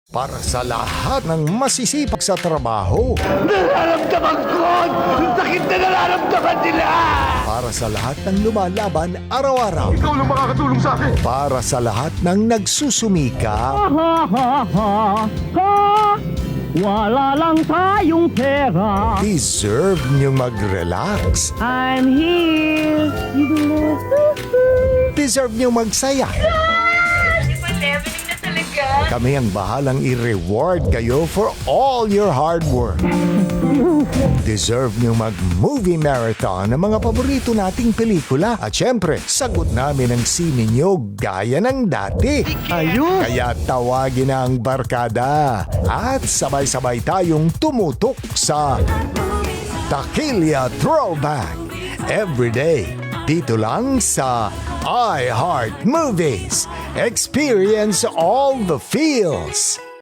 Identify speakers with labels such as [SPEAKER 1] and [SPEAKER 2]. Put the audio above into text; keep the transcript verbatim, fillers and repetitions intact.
[SPEAKER 1] Para sa lahat ng masisipag sa trabaho,
[SPEAKER 2] Nararamdaman ko yung sakit na nararamdaman nila!
[SPEAKER 1] para sa lahat ng lumalaban araw-araw,
[SPEAKER 2] Ikaw lang makakatulong sa akin!
[SPEAKER 1] para sa lahat ng nagsusumika,
[SPEAKER 3] Ha ha ha ha. Wala lang tayong pera.
[SPEAKER 1] deserve niyong mag-relax,
[SPEAKER 3] I'm here.
[SPEAKER 1] deserve niyong magsaya.
[SPEAKER 4] Di ba leveling na talaga?
[SPEAKER 1] Kami ang bahalang i-reward kayo for all your hard work. Deserve nyo mag-movie marathon ng mga paborito nating pelikula. At syempre, sagot namin ang sine nyo gaya ng dati.
[SPEAKER 3] Ayun.
[SPEAKER 1] Kaya tawagin na ang barkada at sabay-sabay tayong tumutok sa Takilya Throwback every day dito lang sa iHeart Movies. Experience all the feels.